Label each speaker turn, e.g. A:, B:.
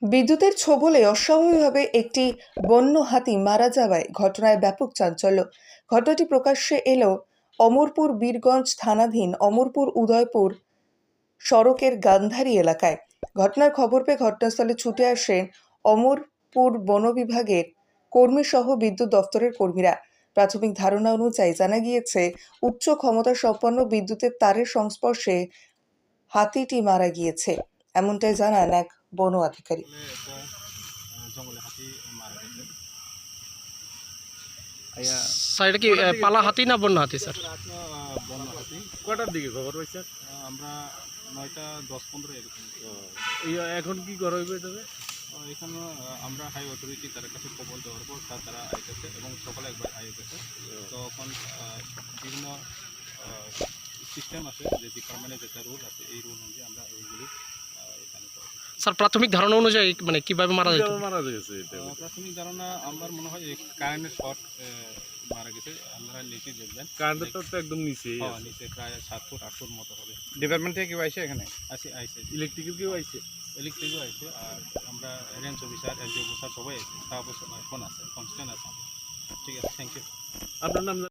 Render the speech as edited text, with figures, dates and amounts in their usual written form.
A: বিদ্যুতের ছোবলে অস্বাভাবিকভাবে একটি বন্য হাতি মারা যাওয়ায় ঘটনায় ব্যাপক চাঞ্চল্য। ঘটনাটি প্রকাশ্যে এলো অমরপুর বীরগঞ্জ থানাধীন অমরপুর উদয়পুর সড়কের গান্ধারী এলাকায়। ঘটনার খবর পেয়ে ঘটনাস্থলে ছুটে আসেন অমরপুর বন বিভাগের কর্মী সহ বিদ্যুৎ দফতরের কর্মীরা। প্রাথমিক ধারণা অনুযায়ী জানা গিয়েছে, উচ্চ ক্ষমতা সম্পন্ন বিদ্যুতের তারের সংস্পর্শে হাতিটি মারা গিয়েছে, এমনটাই জানান এক বন আধিকারিক।
B: জঙ্গলে হাতি মারা গেছে।
C: স্যার এটা কি পালা হাতি না বন্য হাতি স্যার?
B: বন্য হাতি।
D: কটার দিকে খবর পাইছেন?
B: আমরা 9টা 10-15 এরকম।
D: এখন কি করা হইবে তবে?
B: এখানে আমরা হাই অথরিটি তার কাছে খবর দেওয়ার পর তারা আইতেছে এবং সকালে একবার আই গেছে। তখন বিভিন্ন সিস্টেম আছে, যে ডিপার্টমেন্টের যেটা রুল আছে এই রুল অনুযায়ী আমরা এইগুলি এখানে করি।
C: স্যার প্রাথমিক ধারণা অনুযায়ী মানে কিভাবে মারা যেত?
D: মারা গেছে এটা?
B: প্রাথমিক ধারণা আমার মনে হয় কারেন্টের শর্ট মারা গেছে। আপনারা নিচে দেখবেন,
D: কারেন্টের তো একদম নিচে
B: নিচে প্রায় 7 ফুট 8 ফুট মতো হবে।
D: ডিপার্টমেন্ট থেকে কেউ আইছে এখানে?
B: আইসে
D: ইলেকট্রিক্যাল কেউ আইছে?
B: ইলেকট্রিকও আইসে, আর আমরা রেঞ্জ অফিসার এলজি অফিসার সবাই আছে, স্টাফ ফোন আছে, কনস্ট্যান্ট আছে। ঠিক আছে, থ্যাংক ইউ।
D: আপনার নাম?